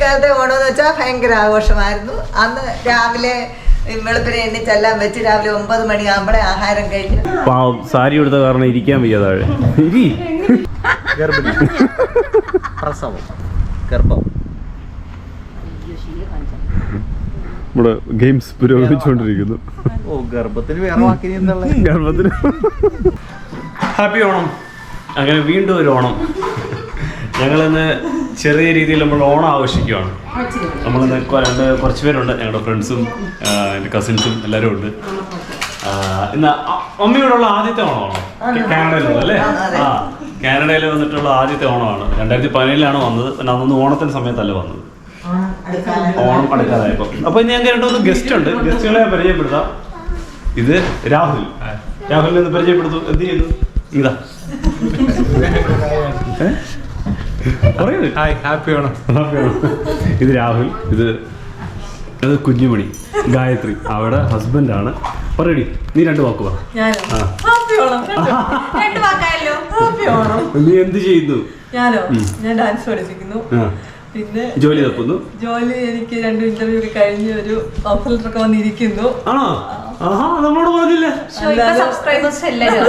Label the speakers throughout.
Speaker 1: ഇപ്പോഴത്തെ ഓണം എന്ന് വെച്ചാൽ ഭയങ്കര ആഘോഷമായിരുന്നു. അന്ന് രാവിലെ വെളുപ്പിനെ എണ്ണിച്ചെല്ലാം വെച്ച് രാവിലെ 9 മണിയാകുമ്പോഴേ ആഹാരം കഴിഞ്ഞു.
Speaker 2: സാരി എടുത്ത കാരണം ഇരിക്കാൻ വയ്യ താഴെ.
Speaker 3: പ്രസവം ഗർഭം
Speaker 2: നമ്മുടെ ഗെയിംസ് പുരോഗമിച്ചുകൊണ്ടിരിക്കുന്നു.
Speaker 3: ഗർഭത്തിന് വേറെ വാക്കിന്
Speaker 2: ഗർഭത്തിന് ഹാപ്പി ഓണം. അങ്ങനെ വീണ്ടും ഒരു ഓണം. ഞങ്ങളിന്ന് ചെറിയ രീതിയിൽ നമ്മൾ ഓണം ആഘോഷിക്കുകയാണ്. നമ്മളിന്ന് കുറച്ച് പേരുണ്ട്, ഞങ്ങളുടെ ഫ്രണ്ട്സും എൻ്റെ കസിൻസും എല്ലാവരും ഉണ്ട്. ഇന്ന് മമ്മിയോടുള്ള ആദ്യത്തെ ഓണമാണ് കാനഡയിലുള്ള അല്ലേ? കാനഡയിൽ വന്നിട്ടുള്ള ആദ്യത്തെ ഓണമാണ്. 2017 വന്നത്. പിന്നെ അന്നൊന്ന് ഓണത്തിന് സമയത്തല്ല വന്നത്, ഓണം അടുക്കാതായപ്പോ. അപ്പൊ ഇനി ഞങ്ങൾക്ക് 2 ഗസ്റ്റ് ഉണ്ട്. ഗസ്റ്റുകളെ പരിചയപ്പെടുത്താം. ഇത് രാഹുൽ. രാഹുലിനെ ഒന്ന് പരിചയപ്പെടുത്തു. എന്ത് ചെയ്യുന്നു? ഇതാ ഇത് രാഹുൽ. ഇത് കുഞ്ഞുമണി. ഗായത്രി അവിടെ ഹസ്ബൻഡാണ്. പറയടി, നീ 2 വാക്ക് പറ. നീ എന്ത് ചെയ്യുന്നു?
Speaker 4: ഞാനോ? ഞാൻ ഡാൻസ് പഠിപ്പിക്കുന്നു. പിന്നെ
Speaker 2: ജോലി തപ്പുന്നു.
Speaker 4: ജോലി എനിക്ക് 2 ഇന്റർവ്യൂ കഴിഞ്ഞ് ഒരു ഓഫർ ലെറ്റർ വന്നിരിക്കുന്നു.
Speaker 2: ആണോ? നമ്മളോട് പറഞ്ഞില്ല.
Speaker 4: സബ്സ്ക്രൈബേഴ്സ് എല്ലാവരും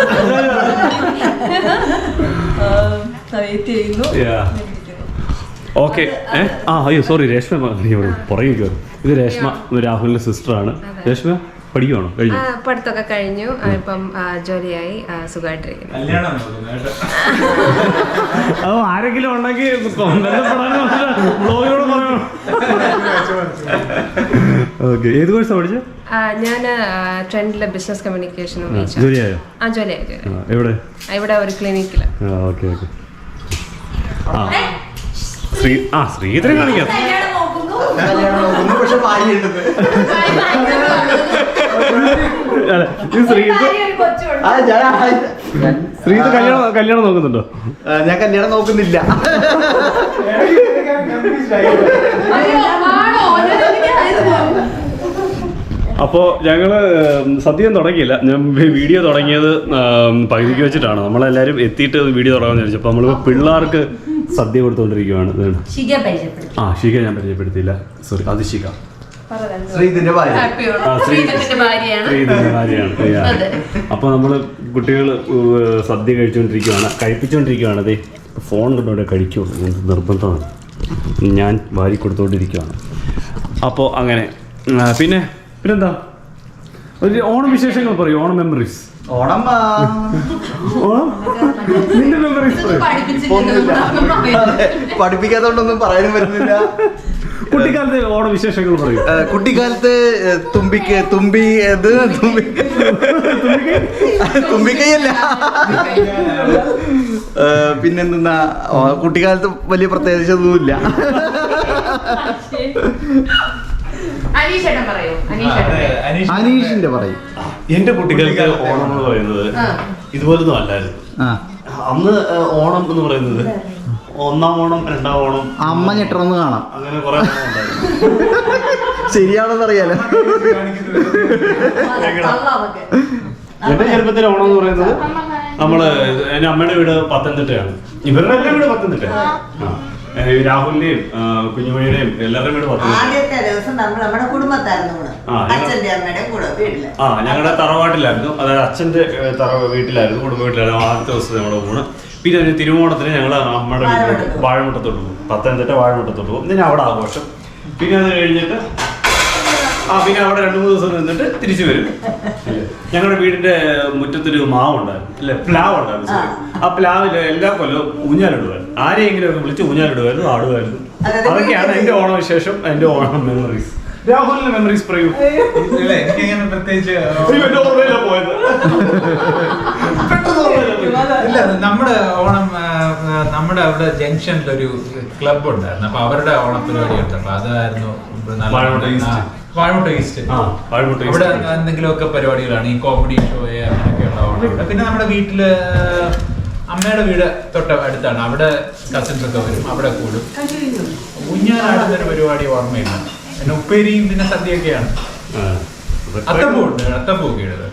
Speaker 4: വെയിറ്റ് ചെയ്യുന്നു.
Speaker 2: ഓക്കെ. അയ്യോ സോറി, രേഷ്മ പുറകെ കയറും. ഇത് രേഷ്മ, രാഹുലിന്റെ സിസ്റ്ററാണ്. രേഷ്മ പഠിക്കുവാണോ? കഴിഞ്ഞു?
Speaker 5: പഠിത്തമൊക്കെ കഴിഞ്ഞു. ഇപ്പം ജോലിയായി സുഖമായിട്ടിരിക്കുന്നു.
Speaker 2: ആരെങ്കിലും ഉണ്ടെങ്കിൽ ബ്ലോഗിനോട് പറയണം. ഓക്കെ. ഏത് കോഴ്സാണ് പഠിച്ചത്?
Speaker 5: ഞാൻ ട്രെൻഡിലെ ബിസിനസ് കമ്മ്യൂണിക്കേഷനും.
Speaker 2: ജോലിയായോ?
Speaker 5: ജോലിയായി.
Speaker 2: എവിടെ?
Speaker 5: ഇവിടെ ഒരു ക്ലിനിക്കില്.
Speaker 2: Okay okay. ശ്രീധരൻ കാണിക്കാം. ശ്രീധ കല്യാണം നോക്കുന്നുണ്ടോ?
Speaker 3: ഞാൻ കല്യാണം നോക്കുന്നില്ല.
Speaker 2: അപ്പോൾ ഞങ്ങൾ സദ്യം തുടങ്ങിയില്ല. ഞാൻ വീഡിയോ തുടങ്ങിയത് പകുതിക്ക് വെച്ചിട്ടാണ്. നമ്മളെല്ലാവരും എത്തിയിട്ട് വീഡിയോ തുടങ്ങാമെന്ന് വിചാരിച്ചു. അപ്പോൾ നമ്മൾ പിള്ളേർക്ക് സദ്യ കൊടുത്തുകൊണ്ടിരിക്കുകയാണ്. ഷിക ഞാൻ പരിചയപ്പെടുത്തിയില്ല, സോറി. അത് ഷിക,
Speaker 3: ശ്രീധന്റെ
Speaker 2: ഭാര്യയാണ്. അപ്പോൾ നമ്മൾ കുട്ടികൾ സദ്യ കഴിപ്പിച്ചുകൊണ്ടിരിക്കുകയാണ്. അതെ, ഫോൺ കൊണ്ടുകൊണ്ട് കഴിക്കുള്ളൂ, നിർബന്ധമാണ്. ഞാൻ വാരി കൊടുത്തുകൊണ്ടിരിക്കുകയാണ്. അപ്പോൾ അങ്ങനെ പിന്നെന്താ ഒരു ഓണം വിശേഷങ്ങൾ പറയൂ. ഓണം മെമ്മറീസ്.
Speaker 3: ഓണം
Speaker 2: നിന്റെ മെമ്മറീസ്
Speaker 3: പഠിപ്പിക്കാത്തോണ്ടൊന്നും പറയാനും പറ്റുന്നില്ല.
Speaker 2: കുട്ടിക്കാലത്തെ ഓണം വിശേഷങ്ങൾ പറയൂ.
Speaker 3: കുട്ടിക്കാലത്ത് തുമ്പിക്കൈയല്ല, പിന്നെന്താ, കുട്ടിക്കാലത്ത് വലിയ പ്രത്യേകിച്ചൊന്നുമില്ല. അനീഷിന്റെ പറയും.
Speaker 2: എന്റെ കുട്ടിക്കാലത്തെ ഓണം എന്ന് പറയുന്നത് ഇതുപോലൊന്നും അല്ലായിരുന്നു. അന്ന് ഓണം എന്ന് പറയുന്നത് 1-ാം ഓണം, 2-ാം ഓണം,
Speaker 3: അമ്മ ഞെട്ടണമെന്ന് കാണാം,
Speaker 2: അങ്ങനെ കുറെ
Speaker 3: ശരിയാണെന്ന് അറിയാലോ.
Speaker 2: എന്റെ ചെറുപ്പത്തിലെ ഓണം എന്ന് പറയുന്നത് എന്റെ അമ്മയുടെ വീട് പത്തനംതിട്ടയാണ്. ഇവരുടെ എല്ലാം വീട് പത്തനംതിട്ടയാണ്. രാഹുലിന്റെയും കുഞ്ഞുമണിയുടെയും എല്ലാവരുടെയും വീട് പത്തനംതിട്ട.
Speaker 1: ആദ്യത്തെ ദിവസം നമ്മുടെ കുടുംബത്തായിരുന്നു.
Speaker 2: ഞങ്ങളുടെ തറവാട്ടിലായിരുന്നു, അതായത് അച്ഛന്റെ വീട്ടിലായിരുന്നു, കുടുംബ വീട്ടിലായിരുന്നു ആദ്യത്തെ ദിവസം ഞങ്ങളുടെ ഊണ്. പിന്നെ ഒരു തിരുവോണത്തിന് ഞങ്ങൾ അമ്മയുടെ വീട്ടിലോട്ട് വാഴമുട്ടത്തോട്ട് പോകും. പത്തനംതിട്ട വാഴമുട്ടത്തോട്ട് പോകും. പിന്നെ അവിടെ ആഘോഷം. പിന്നെ അത് കഴിഞ്ഞിട്ട് പിന്നെ അവിടെ 2-3 ദിവസം നിന്നിട്ട് തിരിച്ചു വരും. ഞങ്ങളുടെ വീടിന്റെ മുറ്റത്തൊരു മാവുണ്ടായിരുന്നു, അല്ലെ, പ്ലാവ് ഉണ്ടായിരുന്നു. ആ പ്ലാവില് എല്ലാ കൊല്ലവും ഊഞ്ഞാലിടുമായിരുന്നു. ആരെയെങ്കിലും ഒക്കെ വിളിച്ച് ഊഞ്ഞാലിടുമായിരുന്നു, ആടുമായിരുന്നു. അതൊക്കെയാണ് എന്റെ ഓണവിശേഷം, എന്റെ ഓണം മെമ്മറീസ്. രാഹുലിന്റെ മെമ്മറീസ് പറയൂ.
Speaker 6: എനിക്കങ്ങനെ പ്രത്യേകിച്ച് ഇല്ല. നമ്മുടെ ഓണം, നമ്മുടെ അവിടെ ജംഗ്ഷനിലൊരു ക്ലബ് ഉണ്ടായിരുന്നു. അപ്പൊ അവരുടെ ഓണപരിപാടി ഉണ്ട്. അപ്പൊ അതായിരുന്നു വാഴമുട്ട ഈസ്റ്റ്. അവിടെ എന്തെങ്കിലുമൊക്കെ പരിപാടികളാണ്, ഈ കോമഡി ഷോ അങ്ങനെയൊക്കെയുള്ള ഓണം. പിന്നെ നമ്മുടെ വീട്ടില് അമ്മയുടെ വീട് തൊട്ട് അടുത്താണ്. അവിടെ കസിൻസ് ഒക്കെ വരും, അവിടെ കൂടും. ഊഞ്ഞാലാടുന്നൊരു പരിപാടി ഓർമ്മയില്ല. പിന്നെ ഉപ്പേരിയും പിന്നെ സദ്യയൊക്കെയാണ്. അത്തപ്പൂണ്ട്, അത്തപ്പൂക്കെ ഇടുന്നത്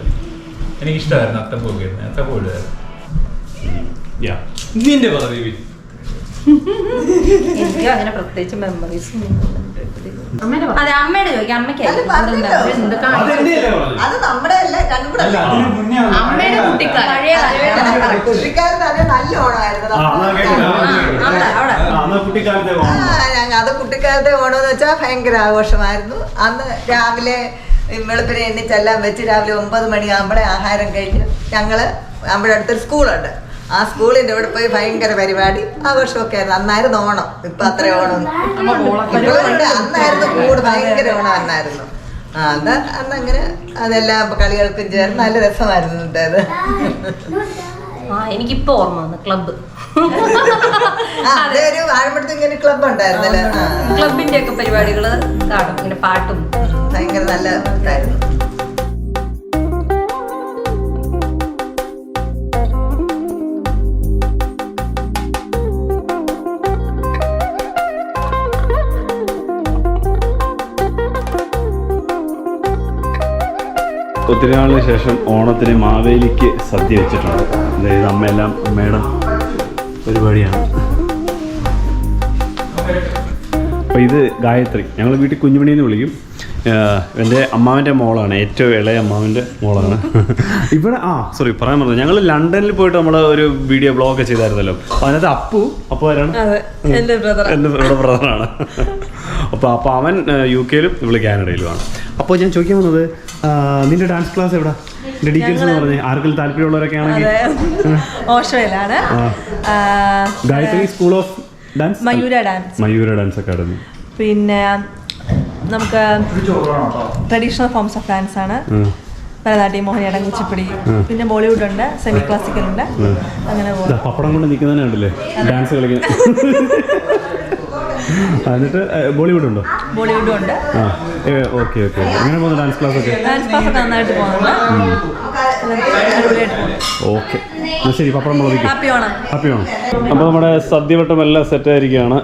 Speaker 6: എനിക്കിഷ്ടമായിരുന്നു. അത്തപ്പൂക്കെ ഇടുന്നത്, അത്തപ്പൂ ഇടുമായിരുന്നു.
Speaker 4: എനിക്ക് അങ്ങനെ പ്രത്യേകിച്ച് മെമ്മറീസ്
Speaker 7: അതെ അമ്മയുടെ ചോദിക്കാം
Speaker 1: അത് പറഞ്ഞല്ലോ. അത് നമ്മുടെ അല്ല രണ്ടും കൂടെ അല്ല.
Speaker 7: അമ്മയുടെ കുട്ടിക്കാലം പഴയ കാലം
Speaker 1: കുട്ടിക്കാലത്ത് അത് നല്ല ഓണമായിരുന്നു അത് കുട്ടിക്കാലത്തെ ഓണം എന്ന് വെച്ചാൽ ഭയങ്കര ആഘോഷമായിരുന്നു. അന്ന് രാവിലെ വെളുപ്പിനെ എണ്ണിച്ചെല്ലാം വെച്ച് രാവിലെ 9 മണിയാകുമ്പോഴേ ആഹാരം കഴിഞ്ഞ് ഞങ്ങള് നമ്മുടെ അടുത്തൊരു സ്കൂളുണ്ട്. ആ സ്കൂളിന്റെ അവിടെ പോയി ഭയങ്കര പരിപാടി ആഘോഷമൊക്കെ ആയിരുന്നു. അന്നായിരുന്നു ഓണം. ഇപ്പൊ അത്ര ഓണം ഇപ്പോഴുണ്ട്. അന്നായിരുന്നു കൂട് ഭയങ്കര ഓണം അന്നായിരുന്നു. അന്നങ്ങനെ അതെല്ലാം കളികൾക്കും ചേർന്ന് നല്ല രസമായിരുന്നു ഉണ്ടായത്.
Speaker 7: എനിക്കിപ്പോ ഓർമ്മ വന്നു ക്ലബ്ബ്
Speaker 1: അതൊരു വാഴമ്പഴത്ത് ഇങ്ങനെ ക്ലബ് ഉണ്ടായിരുന്നല്ലേ.
Speaker 7: ക്ലബിന്റെ ഒക്കെ പരിപാടികള് കാണും, ഇങ്ങനെ പാട്ടും
Speaker 1: ഭയങ്കര നല്ല ഇതായിരുന്നു.
Speaker 2: ഒത്തിരി നാളിന് ശേഷം ഓണത്തിന് മാവേലിക്ക് സദ്യ വെച്ചിട്ടുണ്ട്. അതായത് അമ്മയെല്ലാം അമ്മയുടെ പരിപാടിയാണ്. അപ്പോൾ ഇത് ഗായത്രി, ഞങ്ങൾ വീട്ടിൽ കുഞ്ഞുമണിയെന്ന് വിളിക്കും. എൻ്റെ അമ്മാവൻ്റെ മോളാണ്, ഏറ്റവും ഇളയ അമ്മാവൻ്റെ മോളാണ്. ഇവിടെ സോറി പറയാൻ പറഞ്ഞത്, ഞങ്ങൾ ലണ്ടനിൽ പോയിട്ട് നമ്മൾ ഒരു വീഡിയോ ബ്ലോഗ് ചെയ്തായിരുന്നല്ലോ. അപ്പോൾ അതിനകത്ത് അപ്പു ആരാണ്? എൻ്റെ ബ്രദറാണ്. അപ്പോൾ അവൻ UK-ലും ഇവള് കാനഡയിലുമാണ്. അപ്പോൾ ഞാൻ ചോദിക്കാൻ വന്നത്, നിന്റെ ഡാൻസ് ക്ലാസ് എവിടെ? ഡെഡിക്കേഷൻ എന്ന് പറഞ്ഞ് ആർക്കെങ്കിലും താല്പര്യമുള്ളവരൊക്കെ ആണെങ്കിൽ
Speaker 4: ഓഷോയിലാണ്
Speaker 2: Gayatri school of dance, Mayura dance academy.
Speaker 4: പിന്നെ നമുക്ക് ട്രഡീഷണൽ ഫോംസ് ഓഫ് ഡാൻസ് ആണ്. ഭരതനാട്യം, മോഹിനിയാട്ടം, കുച്ചിപ്പുടി, പിന്നെ ബോളിവുഡ് ഉണ്ട്, സെമി ക്ലാസിക്കൽ ഉണ്ട്. അങ്ങനെ
Speaker 2: പപ്പടം കൊണ്ട് നിൽക്കുന്നതന്നെ ഉണ്ടല്ലേ ഡാൻസ് കളിക്കുന്നത്. എന്നിട്ട് ബോളിവുഡ് ഉണ്ടോ?
Speaker 4: ബോളിവുഡും ഉണ്ട്.
Speaker 2: ഓക്കെ എങ്ങനെ പോകുന്നു ഡാൻസ് ക്ലാസ് ഒക്കെ?
Speaker 4: ഡാൻസ് ക്ലാസ് ഒക്കെ നന്നായിട്ട് പോകുന്നുണ്ട്.
Speaker 2: ഓക്കെ, ശരി. പപ്പടം മുളകിക്കും.
Speaker 4: ഹാപ്പി ഓണം.
Speaker 2: അപ്പോൾ നമ്മുടെ സദ്യവട്ടം എല്ലാം സെറ്റ് ആയിരിക്കുകയാണ്.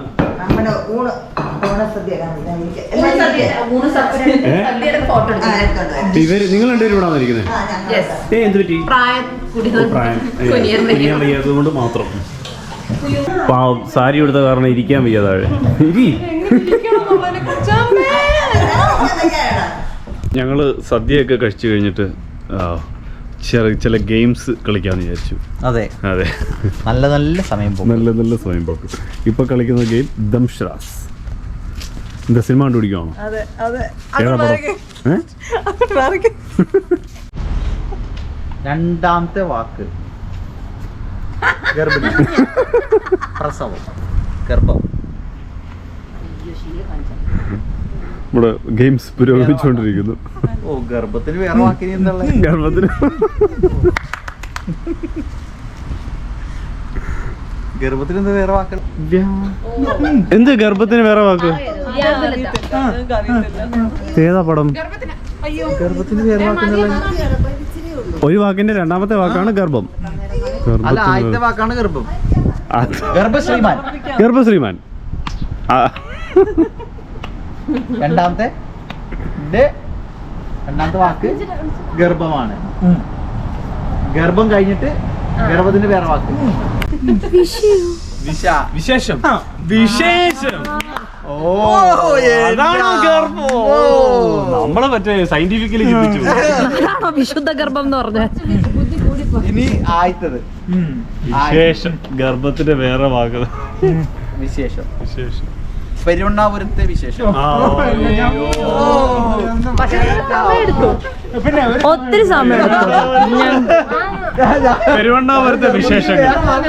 Speaker 2: നിങ്ങൾ രണ്ടുപേരും ഇവിടെ വന്നിരിക്കുന്നത്? എന്ത് പറ്റി? പ്രായം വയ്യാത്തതുകൊണ്ട് മാത്രം. പാവം, സാരി എടുത്ത കാരണം ഇരിക്കാൻ വയ്യ താഴെ. ഞങ്ങള് സദ്യയൊക്കെ കഴിച്ചു കഴിഞ്ഞിട്ട് ചില ഗെയിംസ് കളിക്കാന്ന് വിചാരിച്ചു.
Speaker 3: അതെ, നല്ല സമയം പോകും.
Speaker 2: നല്ല സമയം പോക്ക്. ഇപ്പൊ കളിക്കുന്ന ഗെയിം ദംഷ്രാസ്. എന്താ സിനിമ കണ്ടുപിടിക്കുവാണോ? ഏതാ പടം?
Speaker 3: രണ്ടാമത്തെ വാക്ക് ഗർഭിണി, പ്രസവം, ഗർഭം.
Speaker 2: നമ്മുടെ ഗെയിംസ് പുരോഗമിച്ചുകൊണ്ടിരിക്കുന്നു.
Speaker 3: ഗർഭത്തിന് വേറെ വാക്കിനി എന്നുള്ള
Speaker 2: ഗർഭത്തിന്
Speaker 3: എന്താ വേറെ വാക്ക്?
Speaker 2: എന്ത് ഗർഭത്തിന് വേറെ വാക്ക്? ഏതാ പടം?
Speaker 3: ഗർഭത്തിന് വേറെ വാക്കെന്നുള്ള
Speaker 2: ഒരു വാക്കിന്റെ രണ്ടാമത്തെ വാക്കാണ് ഗർഭം.
Speaker 3: അല്ല, ആദ്യത്തെ വാക്കാണ് ഗർഭം. ഗർഭശ്രീമാൻ. രണ്ടാമത്തെ വാക്ക് ഗർഭമാണ്. ഗർഭം കഴിഞ്ഞിട്ട് ഗർഭത്തിന് വേറെ വാക്ക്
Speaker 2: വിശേഷം. നമ്മളെ മറ്റേ സയന്റിഫിക്കലി ചിന്തിച്ചു.
Speaker 5: വിശുദ്ധ ഗർഭം എന്ന് പറഞ്ഞ
Speaker 3: ഇനി ആയിത്തത്
Speaker 2: വിശേഷം. ഗർഭത്തിന്റെ വേറെ വാക്ക്
Speaker 3: വിശേഷം. പെരുവണ്ണാപുരത്തെ വിശേഷം.
Speaker 5: ഒത്തിരി സമയം എടുത്തു.
Speaker 2: പെരുവണ്ണാപുരത്തെ വിശേഷങ്ങൾ.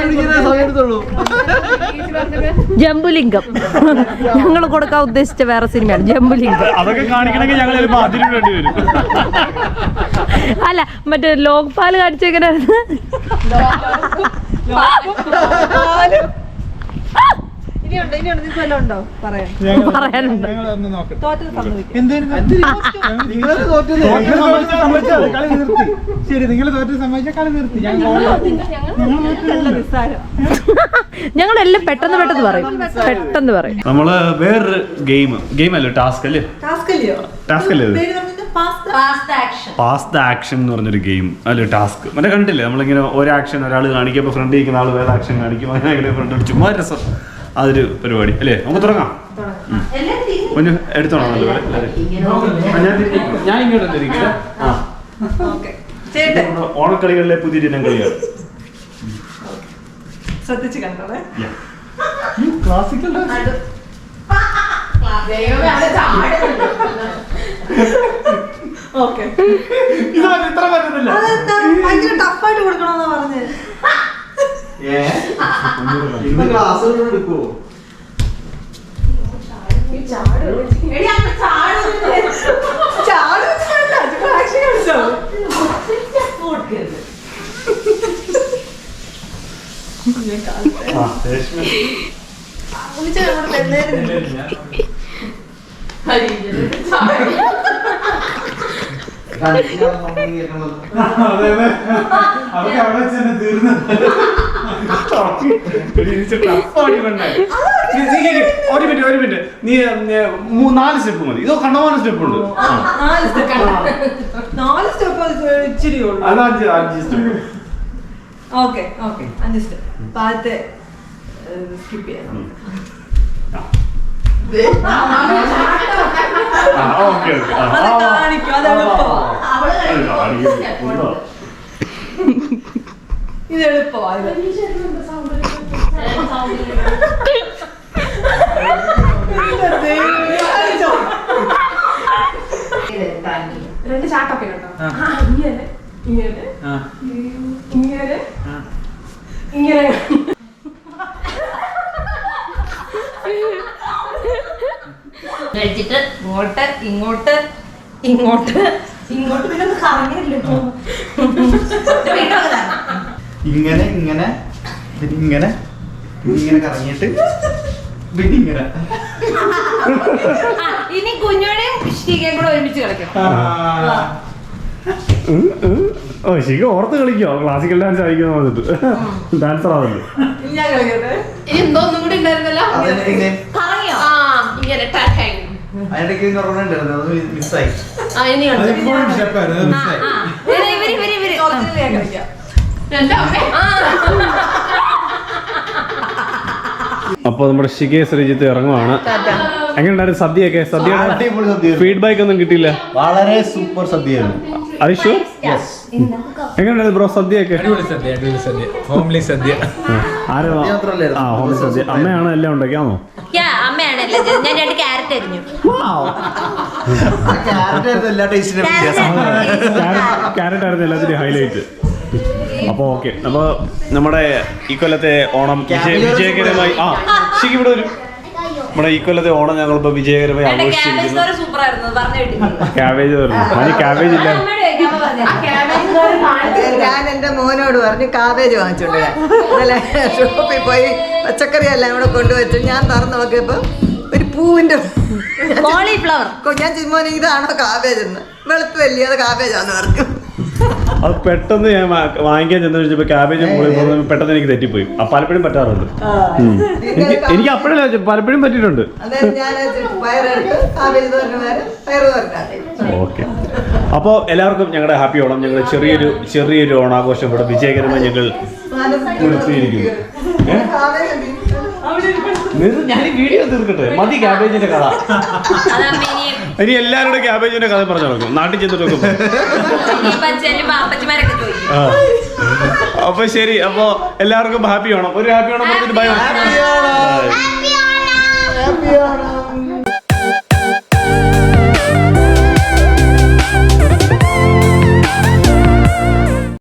Speaker 5: ജംബുലിംഗം ഞങ്ങൾ കൊടുക്കാൻ ഉദ്ദേശിച്ച വേറെ സിനിമയാണ് ജംബുലിംഗം.
Speaker 2: അതൊക്കെ കാണിക്കണമെങ്കിൽ ഞങ്ങൾ ചിലപ്പോൾ അതിന് വേണ്ടി വരും.
Speaker 5: അല്ല, മറ്റേ ലോക്പാൽ കാണിച്ചെങ്ങനെ പറയാനുണ്ട്. ഞങ്ങളെല്ലാം പെട്ടെന്ന് പറയും.
Speaker 2: നമ്മള് വേറൊരു ഗെയിമല്ലേ, ടാസ്ക് അല്ലേ? പാസ് ദ ആക്ഷൻ എന്ന് പറഞ്ഞൊരു ഗെയിം അല്ലേ, ടാസ്ക്. മറ്റേ കണ്ടില്ലേ, നമ്മളിങ്ങനെ ഒരു ആക്ഷൻ ഒരാൾ കാണിക്കുമ്പോൾ ഫ്രണ്ട് ഇരിക്കുന്ന ആൾ വേറെ ആക്ഷൻ കാണിക്കും, അങ്ങനെ ഫ്രണ്ട് ചുമ്മാ രസം. അതൊരു പരിപാടി അല്ലേ? നമുക്ക് തുടങ്ങാം. ഒന്ന് എടുത്തോളാം നല്ലപോലെ ഞാൻ ഇങ്ങോട്ട് തിരിക്കില്ല. ആ ഓണക്കളികളിലെ പുതിയ ഇനം കളികൾ
Speaker 4: ശ്രദ്ധിച്ച് കണ്ടോളെ.
Speaker 3: ക്ലാസിക്കൽ
Speaker 4: ഓക്കെ
Speaker 3: ഇത്ര പറ്റുന്നില്ല.
Speaker 4: ഭയങ്കര ടഫായിട്ട് കൊടുക്കണമെന്നാ പറഞ്ഞത്.
Speaker 3: ഇന്ന് ക്ലാസ്സുകൾ എടുക്കുവോ?
Speaker 2: ഒരു മിനിറ്റ് നീ 4 സ്റ്റെപ്പ് മതി. ഇതോ കണ്ണമാന സ്റ്റെപ്പ് ഉണ്ട്.
Speaker 4: 4 സ്റ്റെപ്പ് ഇച്ചിരി ഉള്ളൂ.
Speaker 2: അത് 5 സ്റ്റെപ്പ്.
Speaker 4: Okay 5 step. ആദ്യത്തെ സ്കിപ്പ് ചെയ്യാം. കാണിക്കും, അത് എളുപ്പമാണ്. ഇത് എളുപ്പമാണ്. രണ്ട് ചാട്ടൊക്കെ കേട്ടോ. ഇങ്ങനെ ഇങ്ങനെ ഇങ്ങനെ ഇങ്ങനെ
Speaker 7: കഴിച്ചിട്ട് ഇങ്ങോട്ട് ഇങ്ങോട്ട് ഇങ്ങോട്ട് ഇങ്ങോട്ട് പിന്നെ ഒന്ന് കറങ്ങില്ലല്ലോ.
Speaker 3: ഇങ്ങനെ ഇങ്ങനെ ഇങ്ങനെ ഇങ്ങനെ കറങ്ങിയിട്ട് പിന്നെ ഇങ്ങനെ.
Speaker 7: ഇനി കുഞ്ഞോടെയും ഷീകയും കൂടെ ഒരുമിച്ച് കളിക്കണം.
Speaker 2: ഓ ശിഖ ഓർത്ത് കളിക്കോ? ക്ലാസിക്കൽ ഡാൻസ് കളിക്കുന്ന വന്നിട്ട് ഡാൻസർ ആണല്ലോ.
Speaker 4: ഞാൻ കളിക്കട്ടെ.
Speaker 8: ഇനി എന്തോ ഒന്നും കൂടി ഉണ്ടായിരുന്നല്ലോ.
Speaker 7: കറങ്ങിയോ?
Speaker 8: ആ ഇങ്ങനെ ടാറ്റായി.
Speaker 3: അതിനിടയ്ക്ക് ഉണ്ടായിരുന്നു, അത് മിസ്സായി.
Speaker 8: ആ ഇനി ഉണ്ട്.
Speaker 7: ഇവര്
Speaker 4: ഞാൻ കളിക്കാം.
Speaker 8: എന്റെ അമ്മേ.
Speaker 2: അപ്പോൾ നമ്മുടെ ശിഖയെ ശ്രീജിത്ത് ഇറങ്ങുവാണ്. എങ്ങനെയുണ്ടായിരുന്നു സദ്യയൊക്കെ? സദ്യയുടെ ഫീഡ്ബാക്ക് ഒന്നും കിട്ടിയില്ല.
Speaker 3: വളരെ സൂപ്പർ സദ്യയായിരുന്നു.
Speaker 2: അരിഷു എങ്ങനെയുണ്ടായിരുന്നു ബ്രോ സദ്യയൊക്കെ?
Speaker 6: അടിപൊളി സദ്യ, അടിപൊളി സദ്യ, ഹോംലി സദ്യ.
Speaker 2: ആരാ? ആ ഹോംലി സദ്യ. അമ്മയാണ് എല്ലാം ഉണ്ടാക്കിയാണോ?
Speaker 7: അമ്മയാണല്ലേ. ഞാൻ 2 ക്യാരറ്റ് അരിഞ്ഞു.
Speaker 2: ക്യാരറ്റ് ആയിരുന്നു എല്ലാത്തിനും ഹൈലൈറ്റ്. അപ്പോൾ ഓക്കെ, അപ്പോൾ നമ്മുടെ ഈ കൊല്ലത്തെ ഓണം വിജയകരമായി ശരിക്കും ഇവിടെ ഒരു നമ്മുടെ ഈ കൊല്ലത്തെ ഓണം ഞങ്ങളിപ്പോൾ വിജയകരമായി ആഘോഷിച്ചിരിക്കുന്നു.
Speaker 7: സൂപ്പർ ആയിരുന്നു. പറഞ്ഞു കേട്ടില്ല.
Speaker 2: ക്യാബേജ് പറഞ്ഞു. അതിന് ക്യാബേജ് ഇല്ല.
Speaker 1: ഞാൻ എൻ്റെ മോനോട് പറഞ്ഞു കാബേജ് വാങ്ങിച്ചോണ്ട് വരാൻ. ഇന്നലെ ഷോപ്പിൽ പോയി പച്ചക്കറി എല്ലാം ഇവിടെ കൊണ്ടുവച്ചു. ഞാൻ തുറന്നു നോക്കിയപ്പോൾ ഒരു പൂവിൻ്റെ
Speaker 7: കോളിഫ്ലവർ.
Speaker 1: ഞാൻ ചിമ്മോനെ ഇതാണോ കാബേജ് എന്ന്. വെളുത്ത് വലിയ അത് കാബേജാന്ന് പറഞ്ഞു.
Speaker 2: അത് പെട്ടെന്ന് ഞാൻ വാങ്ങിക്കാൻ ചെന്ന് വെച്ചപ്പോൾ ക്യാബേജ് പെട്ടെന്ന് എനിക്ക് തെറ്റിപ്പോയി. പലപ്പോഴും പറ്റാറുണ്ട്. എനിക്ക് അപ്പോഴല്ല പലപ്പോഴും പറ്റിയിട്ടുണ്ട്.
Speaker 1: അതായത് ഞാൻ പയറെടുത്ത് കാബേജ് തോരന് പയറ് തോരനാക്കി.
Speaker 2: ഓക്കെ, അപ്പോൾ എല്ലാവർക്കും ഞങ്ങളുടെ ഹാപ്പി ഓണം. ഞങ്ങൾ ചെറിയൊരു ഓണാഘോഷം ഇവിടെ വിജയകരമായി ഞങ്ങൾ നിർത്തിയിരിക്കുന്നു. ഞാൻ ഈ വീഡിയോ തീർക്കട്ടെ. മതി ക്യാബേജിന്റെ കഥ. ഇനി എല്ലാവരുടെ ക്യാബേജിന്റെ കഥ പറഞ്ഞു നടക്കും നാട്ടിൽ ചെന്നിട്ടൊക്കെ. അപ്പൊ ശരി, അപ്പൊ എല്ലാവർക്കും ഹാപ്പി ഓണം. ഒരു ഹാപ്പി ഓണം പറഞ്ഞിട്ട് ബൈ.